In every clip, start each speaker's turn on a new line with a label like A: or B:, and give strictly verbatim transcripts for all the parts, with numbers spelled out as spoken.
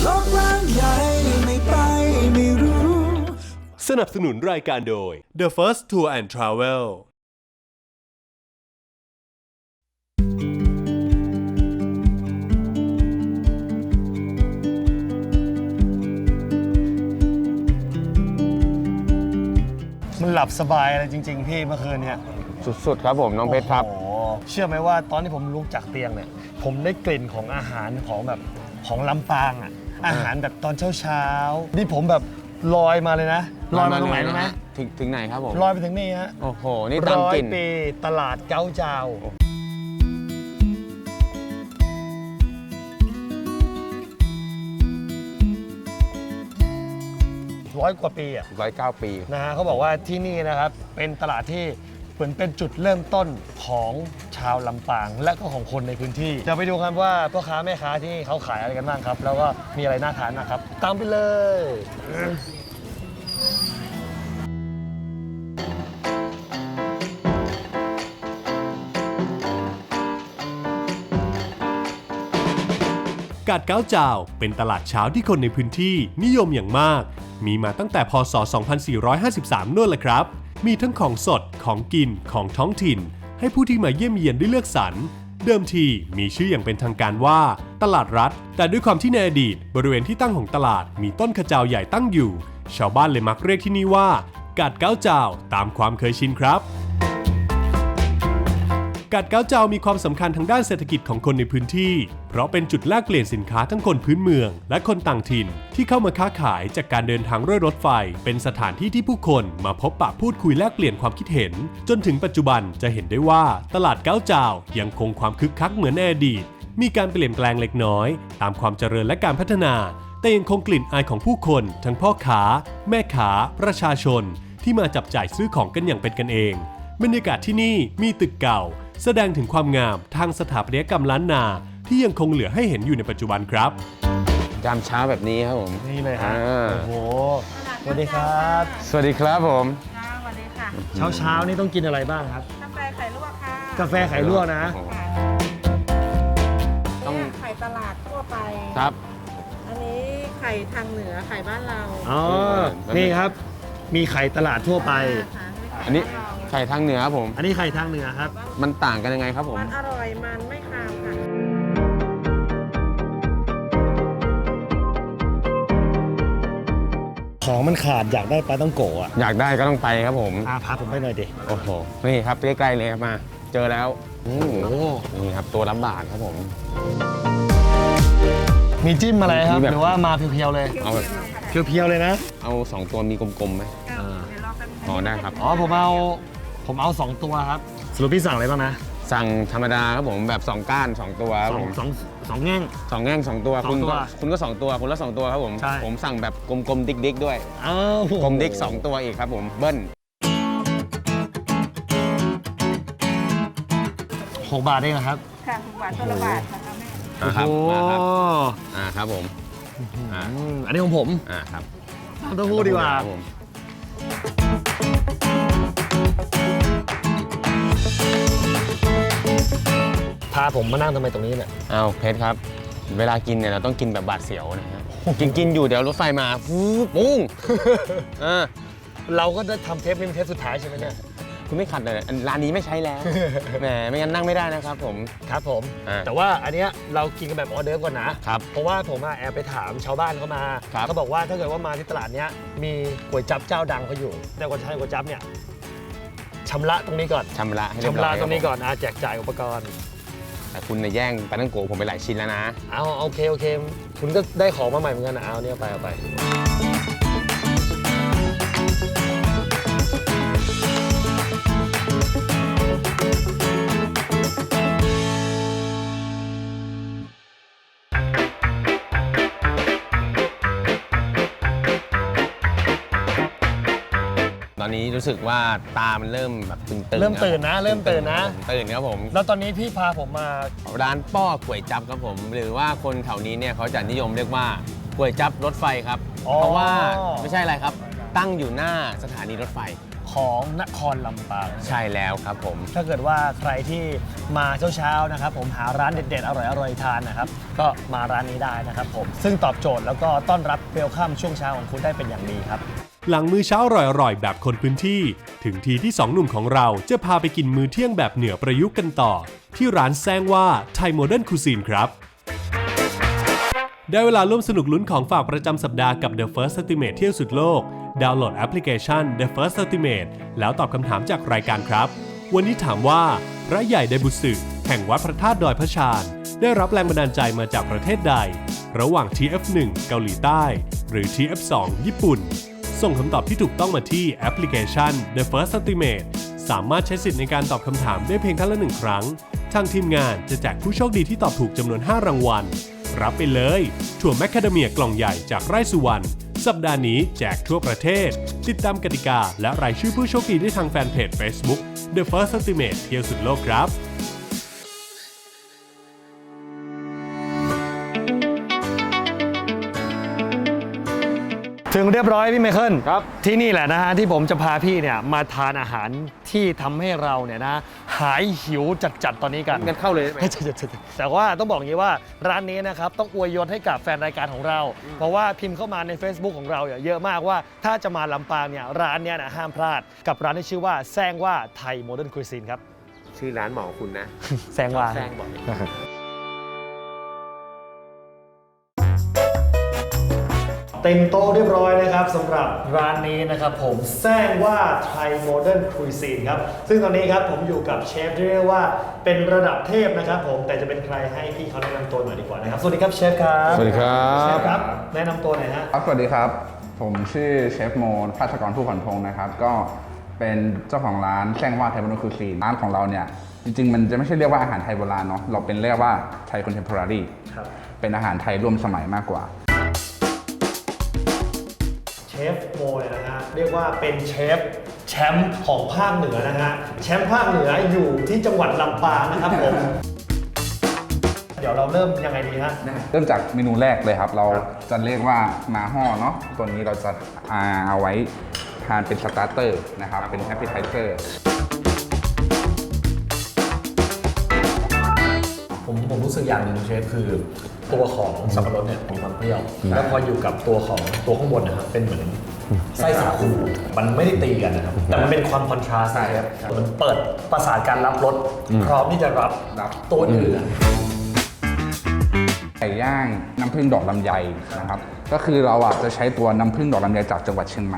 A: โลกกว้างใหญ่ไม่ไปไม่รู้
B: สนับสนุนรายการโดย The First Tour and Travel
C: มันหลับสบายอะไรจริงๆพี่เมื่อคืนเนี่ย
D: สุดๆครับผมน้องเพชรครับ
C: โอ้โหเชื่อไหมว่าตอนที่ผมลุกจากเตียงเนี่ยผมได้กลิ่นของอาหารของแบบของลำปางอ่ะอาหารแบบตอนเช้าๆนี่ผมแบบลอยมาเลยนะลอยมาตรงไหนรู้ไหม
D: ถึงถึงไหนครับผม
C: ลอยไปถึงนี่ฮะ
D: โอ้โหนี่ตาม
C: ร้อย
D: กลิ่น
C: ปีตลาดเก้าเจ้าร้อยกว่าปีอ่ะ
D: ร้อยเก้าปี
C: นะฮะเขาบอกว่าที่นี่นะครับเป็นตลาดที่เหมือนเป็นจุดเริ่มต้นของชาวลำปางและก็ของคนในพื้นที่จะไปดูกันว่าพ่อค้าแม่ค้าที่นี่เขาขายอะไรกันบ้างครับ แล้วก็มีอะไรน่าทานนะครับตามไปเลย
B: กาดเก้าเจ้าเป็นตลาดเช้าที่คนในพื้นที่นิยมอย่างมากมีมาตั้งแต่พ.ศ. สองพันสี่ร้อยห้าสิบสามนู่นแหละครับมีทั้งของสดของกินของท้องถิ่นให้ผู้ที่มาเยี่ยมเยียนได้เลือกสรรเดิมทีมีชื่ออย่างเป็นทางการว่าตลาดรัฐแต่ด้วยความที่ในอดีตบริเวณที่ตั้งของตลาดมีต้นขจาวใหญ่ตั้งอยู่ชาวบ้านเลยมักเรียกที่นี่ว่ากาดเก้าเจ้าตามความเคยชินครับกาดเก้าเจ้ามีความสำคัญทางด้านเศรษฐกิจของคนในพื้นที่เพราะเป็นจุดแลกเปลี่ยนสินค้าทั้งคนพื้นเมืองและคนต่างถิ่นที่เข้ามาค้าขายจากการเดินทางด้วยรถไฟเป็นสถานที่ที่ผู้คนมาพบปะพูดคุยแลกเปลี่ยนความคิดเห็นจนถึงปัจจุบันจะเห็นได้ว่าตลาดเก้าเจ้ายังคงความคึกคักเหมือนในอดีตมีการเปลี่ยนแปลงเล็กน้อยตามความเจริญและการพัฒนาแต่ยังคงกลิ่นอายของผู้คนทั้งพ่อค้าแม่ค้าประชาชนที่มาจับจ่ายซื้อของกันอย่างเป็นกันเองบรรยากาศที่นี่มีตึกเก่าแสดงถึงความงามทางสถาปัตยกรรมล้านนาที่ยังคงเหลือให้เห็นอยู่ในปัจจุบันครับ
D: ยามเช้าแบบนี้ครับผม
C: นี่เลยฮะ
D: อ่า
C: โอ้โหสวัสดีครับ
D: สวัสดีครับผม
E: ค่ะสวัสดีค่ะ
C: เช้าเช้าๆนี่ต้องกินอะไรบ้างครับ
E: กาแฟไข่ลวกค่ะ
C: กาแฟไข่ลวกนะ
D: โอ้โห
E: ค่ะ
D: ต้อง
E: เนี่ยไข่ตลาดทั่วไป
D: ครับ
E: อันนี้ไข่ทางเหนือไข่บ้านเรา
C: อ๋อนี่ครับมีไข่ตลาดทั่วไป
E: ค่ะ
D: อันนี้ไข่ทางเหนือครับผม
C: อันนี้ไข่ทางเหนือครับ
D: มันต่างกันยังไงครับผม
E: มันอร่อยมันไม่คาวค่ะ
C: ของมันขาดอยากได้ปลาต้องโกะอ่ะ
D: อยากได้ก็ต้องไปครับผม
C: อาพาผมไปหน่อยดิ
D: โอ้โหนี่ครับใกล้ๆเลยครับมา เจอแล้วโอ้โหนี่ครับตัวละบาทครับผม
C: มีจิ้มอะไรครับ
D: มีแบบ
C: หรือว่ามาเพียวๆเลย
D: เอาแบบ
C: เพียวๆเลยนะ
D: เอาสองตัวมีกลมๆไหม
E: เดี๋ยวรอแป๊บนึง
D: อ๋อได้ครับ
C: อ๋อผมเอาผมเอาสองตัวครับสรุปพี่สั่งอะไรบ้างนะ
D: สั่งธรรมดาครับผมแบบสองก้านสองตัวครับ
C: สอ
D: ผ
C: ง
D: ม
C: สองสองแง่ง
D: สองแง่งสองตัว
C: สอง
D: คุณ
C: ตัว
D: ก็คุณก็สองตัวคุณละสองตัวครับผม
C: ใช่
D: ผมสั่งแบบกลมๆดิ๊กๆด้วย
C: อ้าว
D: กลมดิ๊กสองตัวอีกครับผมเบิ้ล
C: หกบาทเองนะครับ
E: ค่ะหกบาทตัวละบาทนะคะแม่
D: อ่าครับ
C: โอ้
D: มาครับ
C: โห
D: อ่าครับผมอ่า
C: อืมอันนี้ของผม
D: อ่าครับ
C: เต้าหู้ดีกว่า
D: ครับผม
C: พาผมมานั่งทำไมตรงนี้เนี่ย
D: เอาเพชรครับ เวลากินเนี่ยเราต้องกินแบบบาดเสียวนะฮะกินกินอยู่เดี๋ยวรถไฟมาฟูปุ้งอ่า
C: เราก็ได้ทำเทปนี้เป็นเทปสุดท้ายใช่ไหมเนี่ย
D: คุณไม่ขัดเลยอันร้านนี้ไม่ใช้แล้วแหมไม่งั้นนั่งไม่ได้นะครับผม
C: ครับผม
D: อ่า
C: แต่ว่าอันเนี้ยเรากินกันแบบออเดิร์ฟก่อนนะครับ เพราะว่าผมอะแอบไปถามชาวบ้านเขามา
D: ครับ
C: เขาบอกว่าถ้าเกิดว่ามาที่ตลาดเนี้ยมีก๋วยจั๊บเจ้าดังเขาอยู่ แต่ก่อนจะให้ก๋วยจั๊บเนี่ยชำระตรงนี้ก่อน
D: ชำระให้เรียบ
C: ชำ
D: ร้
C: ระ
D: อย
C: ตรงนี้
D: คบ
C: ก่อนอาแจกจ่ายอุปกรณ์
D: แต่คุณเนี่ยแย่งปลาตั้งโกะผมไปหลายชิ้นแล้วนะ
C: เอาโอเคโอเค คุณก็ได้ของมาใหม่เหมือนกันนะเอาเนี่ยไปเอาไป
D: ตอนนี้รู้สึกว่าตามันเริ่มแบบตึงๆ
C: เริ่มตื่นนะ
D: คบ
C: เริ่มตื่นนะ
D: ตื่นครับผม
C: แล้วตอนนี้พี่พาผมมา
D: ร้านป้อก๋วยจั๊บครับผม หรือว่าคนแถวนี้เนี่ยเขาจะนิยมเรียกว่าก๋วยจั๊บรถไฟครับ
C: อ๋อ
D: เพราะว่าไม่ใช่อะไรครับ ตั้งอยู่หน้าสถานีรถไฟ
C: ขของนครลำปาง
D: ใช่แล้วครับผม
C: ถ้าเกิดว่าใครที่มาเช้าๆนะครับผมหาร้านเด็ดๆ อร่อยๆ ทานนะครับก็มาร้านนี้ได้นะครับผมซึ่งตอบโจทย์แล้วก็ต้อนรับเวลคัมช่วงเช้าของคุณได้เป็นอย่างดีครับ
B: หลังมื้อเช้าอร่อยๆแบบคนพื้นที่ ถึงทีที่สองหนุ่มของเราจะพาไปกินมื้อเที่ยงแบบเหนือประยุกต์กันต่อ ที่ร้านแซงว่าไทยโมเดิร์นคูซีนครับ ได้เวลาร่วมสนุกลุ้นของฝากประจำสัปดาห์กับ The First Estimate เที่ยวสุดโลก ดาวน์โหลดแอปพลิเคชัน The First Estimate แล้วตอบคำถามจากรายการครับ วันนี้ถามว่าพระใหญ่ไดบุสึแห่งวัดพระธาตุดอยพระชานได้รับแรงบันดาลใจมาจากประเทศใด ระหว่าง ที เอฟ หนึ่ง เกาหลีใต้ หรือ ที เอฟ สอง ญี่ปุ่น ส่งคำตอบที่ถูกต้องมาที่แอปพลิเคชัน The First Estimate สามารถใช้สิทธิ์ในการตอบคำถามได้เพียงท่านละหนึ่งครั้ง ทางทีมงานจะแจกผู้โชคดีที่ตอบถูกจำนวนห้ารางวัล รับไปเลยถั่วแมคคาเดเมียกล่องใหญ่จากไร่สุวรรณ สัปดาห์นี้แจกทั่วประเทศ ติดตามกติกาและรายชื่อผู้โชคดีได้ทางแฟนเพจ Facebook The First Estimate เที่ยวสุดโลกครับ
C: ถึงเรียบร้อยพี่ไมเคิล
D: ครับ
C: ที่นี่แหละนะฮะที่ผมจะพาพี่เนี่ยมาทานอาหารที่ทำให้เราเนี่ยนะหายหิวจัดๆตอนนี้กัน
D: งั้นเข้าเลยได้ไหม
C: แต่ว่าต้องบอกอย่างนี้ว่าร้านนี้นะครับต้องอวยยศให้กับแฟนรายการของเรา เพราะว่าพิมพ์เข้ามาใน Facebook ของเราเนี่ยเยอะมากว่าถ้าจะมาลำปางเนี่ยร้านเนี้ยนะห้ามพลาดกับร้านที่ชื่อว่าแซงว่าไทยโมเดิร์นคุยซีนครับ
D: ชื่อร้านหมอคุณนะ
C: แซงว่า
D: แซงบอก
C: เต็มโต๊ะเรียบร้อยนะครับสำหรับร้านนี้นะครับผมแซงว่าไทยโมเดิร์นคุยซีนครับซึ่งตอนนี้ครับผมอยู่กับเชฟที่เรียกว่าเป็นระดับเทพนะครับผมแต่จะเป็นใครให้พี่เขาแนะนำตัวหน่อยดีกว่านะครับสวัสดีครับเชฟครับ
D: สวัสดีครับ
C: เชฟครับแนะนำตัวหน่อยฮะ
F: ครับสวัสดีครับ ผมชื่อเชฟโมภาสกรผู้ขวัญพงศ์นะครับ ก็เป็นเจ้าของร้านแซงว่าไทยโบราณคูซีนร้านของเราเนี่ย จริง ๆ มันจะไม่ใช่เรียกว่าอาหารไทยโบราณเนาะเราเป็นเรียกว่าไทยคอนเทมพอรารี
C: ครับ
F: เป็นอาหารไทยร่วมสมัยมากกว่า
C: เชฟโมเนี่ยนะฮะเรียกว่าเป็นเชฟแชมป์ของภาคเหนือนะฮะแชมป์ภาคเหนืออยู่ที่จังหวัดลำปางนะครับผม เดี๋ยวเราเริ่มยังไงดีฮะ
F: เริ่มจากเมนูแรกเลยครับ เราจะเรียกว่ามาห่อเนาะตัวนี้เราจะอ่าเอาไว้ทานเป็นสตาร์เตอร์นะครับ เป็นแอปเปิลไทเซอร์
C: ผมผมรู้สึกอย่างหนึ่งเชฟคือตัวของสับปะรดเนี่ยมีความเปรี้ยว แล้วพออยู่กับตัวของตัวข้างบนนะครับเป็นเหมือนไส้สาคูมันไม่ได้ตีกันนะครับแต่มันเป็นความคอนทราสต์นะครับมันเปิดประสาทการรับรสพร้อมที่จะรับ
F: รับ
C: ตัวอื่น
F: ไก่ย่างน้ำผึ้งดอกลำไยนะครับ ก็คือเราอ่ะจะใช้ตัวน้ำผึ้งดอกลำไยจากจังหวัดเชียงใหม่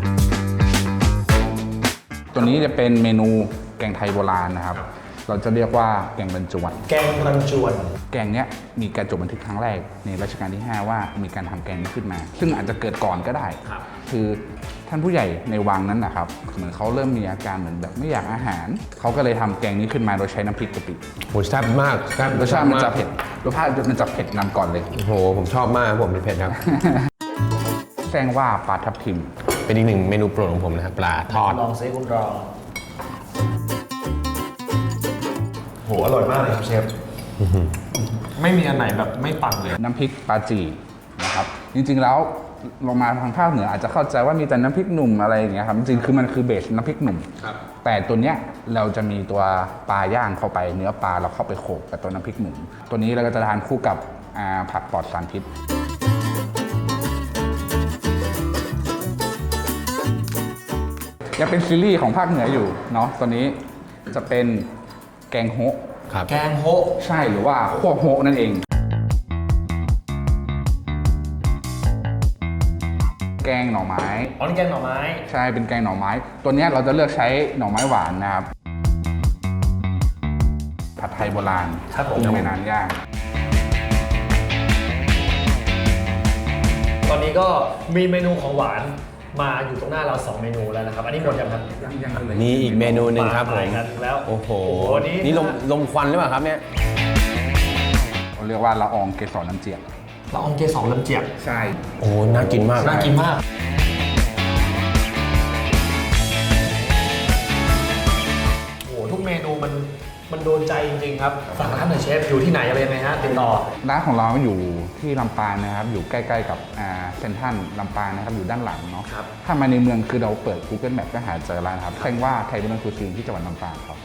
F: ตัวนี้จะเป็นเมนูแกงไทยโบราณนะครับ เราจะเรียกว่าแกงบรรจวน
C: แกงรันจวน
F: แกงเนี้ยมีการจดบันทึกครั้งแรกในรัชกาลที่ ห้า ว่ามีการทำแกงนี้ขึ้นมา ซึ่งอาจจะเกิดก่อนก็ได้ คือท่านผู้ใหญ่ในวังนั้นนะครับเหมือนเขาเริ่มมีอาการเหมือนแบบไม่อยากอาหาร เขาก็เลยทำแกงนี้ขึ้นมาโดยใช้น้ำพริกกะปิ
D: โหแซ่บมากแซ่บ
F: รสชาติมันจะเผ็ดรสชาติมันจะเผ็ดนำก่อนเลย
D: โอ้โห ผมชอบมากผมเป็นเผ็ดครับ
F: แซงว่าปลาทับทิม
D: เป็นอีกหนึ่งเมนูโปรดของผมนะครับปลาทอด
C: ลองซิคุณรองโหอร่อยมากเลยครับเชฟไม่มีอันไหนแบบไม่ปังเลย
F: น้ำพริกปลาจีนะครับ จริงๆแล้วลงมาทางภาคเหนืออาจจะเข้าใจว่ามีแต่น้ำพริกหนุ่มอะไรอย่างเงี้ยครับ จริงๆคือมันคือเบสน้ำพริกหนุ่ม แต่ตัวเนี้ยเราจะมีตัวปลาย่างเข้าไปเนื้อปลาเราเข้าไปโขลกกับตัวน้ำพริกหนุ่ม ตัวนี้เราก็จะทานคู่กับอ่าผักปลอดสารพิษ ยังเป็นซีรีส์ของภาคเหนืออยู่เนาะตัวนี้จะเป็นแกงโฮะ
D: ครับ
C: แกงโฮะ
F: ใช่หรือว่าคั่วโฮะนั่นเอง แกงหน่อไม้
C: อ๋อนี่แกงหน่อไม้
F: ใช่เป็นแกงหน่อไม้ ตัวเนี้ยเราจะเลือกใช้หน่อไม้หวานนะครับ ผัดไทยโบราณ
C: ครับผม
F: กุ้งแม่น้ำย่าง
C: ตอนนี้ก็มีเมนูของหวานมาอยู่ตรงหน้าเราสองเมนูแล้วนะครับ อันนี้หมดยังครับ
D: นี่อีกเมนูหนึ่งครับผม
C: มากันแล้ว
D: โอ้โห
C: วันนี้
D: นี่ลมลมควันหรือเปล่าครับเนี่ย
F: เราเรียกว่าละอองเกสรน้ำเจียก
C: ละอองเกสรลำเจียก
F: ใช่
D: โอ้โหน่ากินมาก
C: น่ากินมากโอ้โหทุกเมนูมันมันโดนใจจริงๆครับฝากร้านหน่อยเชฟอยู่ที่ไหนอะไรยังไงฮะติดต่อ
F: ร้านของเราอยู่ที่ลำปางนะครับอยู่ใกล้ๆกับอ่าเซ็นทรัลลำปางนะครับอยู่ด้านหลังเนาะ
C: ครับ
F: ถ้ามาในเมืองคือเราเปิด Google Map ก็หาเจอร้านครับแค่ว่าไทยบุญคูซีนที่จังหวัดลำปางครับ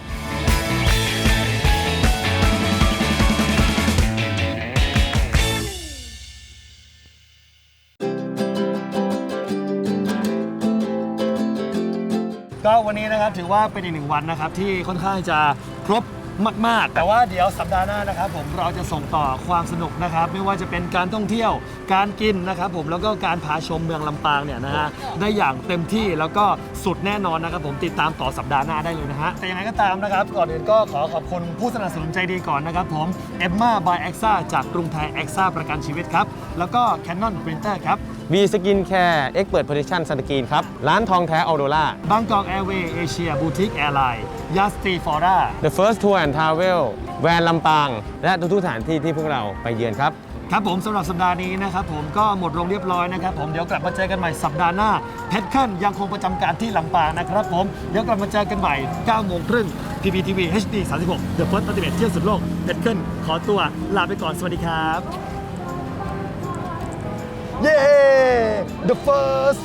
C: ก็วันนี้นะครับถือว่าเป็นอีกหนึ่งวันนะครับที่ค่อนข้างจะครบมากๆแต่ว่าเดี๋ยวสัปดาห์หน้านะครับผมเราจะส่งต่อความสนุกนะครับไม่ว่าจะเป็นการท่องเที่ยวการกินนะครับผมแล้วก็การพาชมเมืองลำปางเนี่ยนะฮะได้อย่างเต็มที่แล้วก็สุดแน่นอนนะครับผมติดตามต่อสัปดาห์หน้าได้เลยนะฮะแต่ยังไงก็ตามนะครับก่อนอื่นก็ขอขอบคุณผู้สนับสนุนใจดีก่อนนะครับผมเอมม่าบายเอ็กซ่าจากกรุงไทยเอ็กซ่าประกันชีวิตครับแล้วก็ Canon Printer ครับ
D: วีสกินแคร์เอ็กเปิดโพซิชั่นสกรีนครับ ร้านทองแท้ออโดล่า
C: บางกอกแอร์เวย์เอเชียบูติกแอร์ไลน์ยาสตีฟอร่า
D: The First Tour and Travel แวนลำปาง และทุกๆสถานที่ที่พวกเราไปเยือนครับ
C: ครับผมสำหรับสัปดาห์นี้นะครับผมก็หมดลงเรียบร้อยนะครับผมเดี๋ยวกลับมาเจอกันใหม่สัปดาห์หน้าเพชรขั้นยังคงประจำการที่ลำปางนะครับผมเดี๋ยวกลับมาเจอกันใหม่เก้าโมงครึ่ง พี พี ที วี เอช ดี สามสิบหก The First Ultimate เที่ยวสุดโลกเพชรขั้นขอตัวลาไปก่อนสวัสดีครับเย้ The First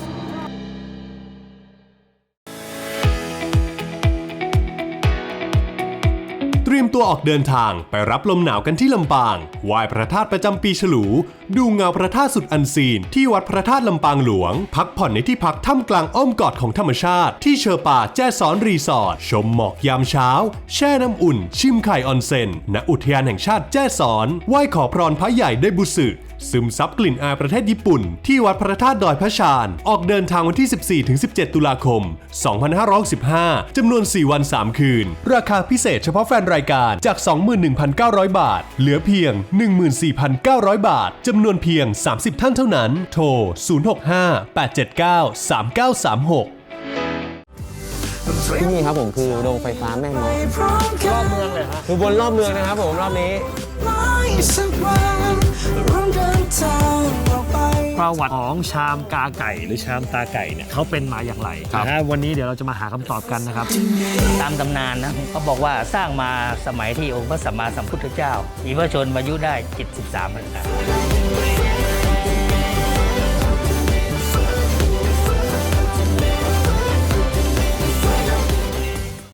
B: เตรียมตัวออกเดินทางไปรับลมหนาวกันที่ลำปางไหว้พระธาตุประจำปีฉลู ดูเงาพระธาตุสุดอันซีนที่วัดพระธาตุลำปางหลวง พักผ่อนในที่พักท่ามกลางอ้อมกอดของธรรมชาติที่เชอป่าแจ้ซ้อนรีสอร์ทชมหมอกยามเช้า แช่น้ำอุ่น ชิมไข่ออนเซ็นณอุทยานแห่งชาติแจ้ซ้อนไหว้ขอพรพระใหญ่ได้บุสึซึมซับกลิ่นอายประเทศญี่ปุ่นที่วัดพระธาตุดอยพระชานออกเดินทางวันที่ สิบสี่ถึงสิบเจ็ด ตุลาคม สองพันห้าร้อยหกสิบห้า จำนวน สี่ วัน สาม คืน ราคาพิเศษเฉพาะแฟนรายการจาก สองหมื่นหนึ่งพันเก้าร้อย บาท เหลือเพียง หนึ่งหมื่นสี่พันเก้าร้อย บาท จำนวนเพียง สามสิบ ท่านเท่านั้น โทร ศูนย์ หก ห้า แปด เจ็ด เก้า สาม เก้า สาม หก
D: ที่นี่ครับผมคือโรงไฟฟ้าแม่เมาะ
A: พร้อมกั
C: รอบ
A: น
C: เมืองเลยฮะ
D: คือบนรอบเมืองนะครับผมรอบนี้
A: ไม่สักวันร่วมเดินทางออกไป
C: ประวัติของชามกาไก่หรือชามตาไก่เนี่ยเขาเป็นมาอย่างไรนะฮะวันนี้เดี๋ยวเราจะมาหาคำตอบกันนะครับ
G: ตามตำนานนะเขาบอกว่าสร้างมาสมัยที่องค์พระสัมมาสัมพุทธเจ้า มีพระชนมายุได้เจ็ดสิบสามพรรษา